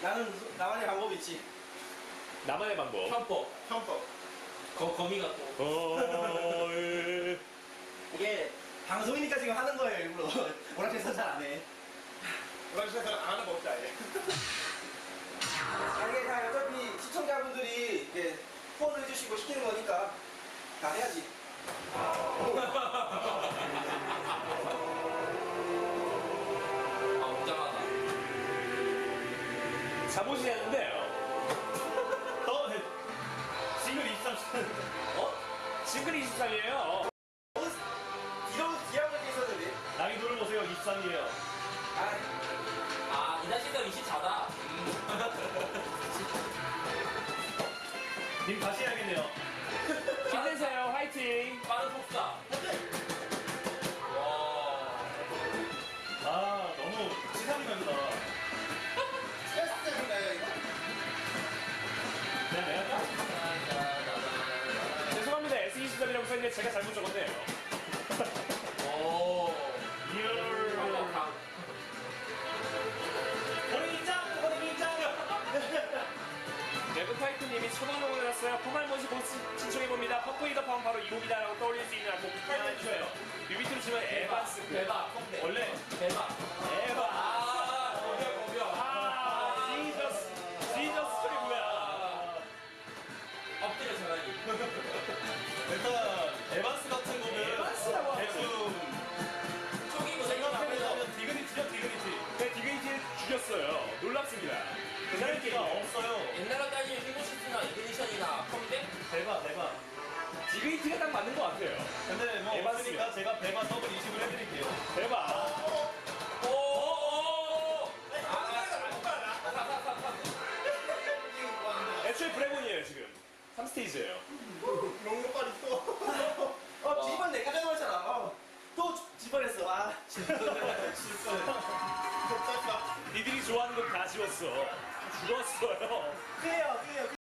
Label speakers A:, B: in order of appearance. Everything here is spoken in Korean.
A: 나만의 방법이 있지.
B: 나만의 방법.
A: 형법.
C: 거미가 또.
A: 이게 방송이니까 지금 하는 거예요, 일부러. 오락실에서 잘 안 해.
C: 오락실에서 안 하는 거 없다, 얘.
A: 이게 다 어차피 시청자분들이 이렇게 후원을 해주시고 시키는 거니까 다 해야지.
C: 아, 웅장하다.
B: 잠옷이 하는데요.
A: 싱글 23년.
B: 싱글 23이에요.
A: 기억력이 있었는데.
B: 난이도를 보세요. 23이에요.
C: 아, 이날 시간 24다.
B: 님 다시 해야겠네요. 힘내세요. 화이팅.
C: 빠른 폭사. 와.
B: 아, 너무 치사하게 만다.
A: 스트레스인가요, 이거?
B: 내가 죄송합니다. S23이라고 써있는데 제가 잘못 적었네요.
C: 오.
B: 네브파이트님이 천원을 올렸어요. 포말몬시 보스 신청해봅니다. 퍼프이더 팜 바로 이 곡이다라고 떠올릴 수 있는 곡 추천해주세요. 뮤비트로 치면 에반스.
C: 대박.
B: 원래
C: 대박.
B: 에바.
C: 아, 거벼.
B: 지저스 소리 뭐야.
C: 엎드려 전화기.
D: 일단 에반스 같은 거는
B: 에반스라고 하죠.
D: 대충
C: 초기고
D: 생각해보면 디그니티죠, 디그니티.
B: 네, 디그니티를 죽였어요. 놀랍습니다. 그 사람
D: 디그니티가 없어요.
C: 옛날로 따지면 휘고시스나 이그니션이나 컴백?
D: 대박.
B: 디그니티가 딱 맞는 것 같아요.
D: 근데 뭐
B: 에반스요.
D: 없으니까 제가 배마 더블 20을 해드릴게요.
B: 대박.
C: 오오오.
B: 애초에 브레곤이에요, 지금. 3스테이지예요.
A: 롱로빨 있어. 집안 내가 잘못했잖아. 또 집안했어.
B: 니들이 좋아하는 건 다 지웠어. 죽었어요.
A: 그래요.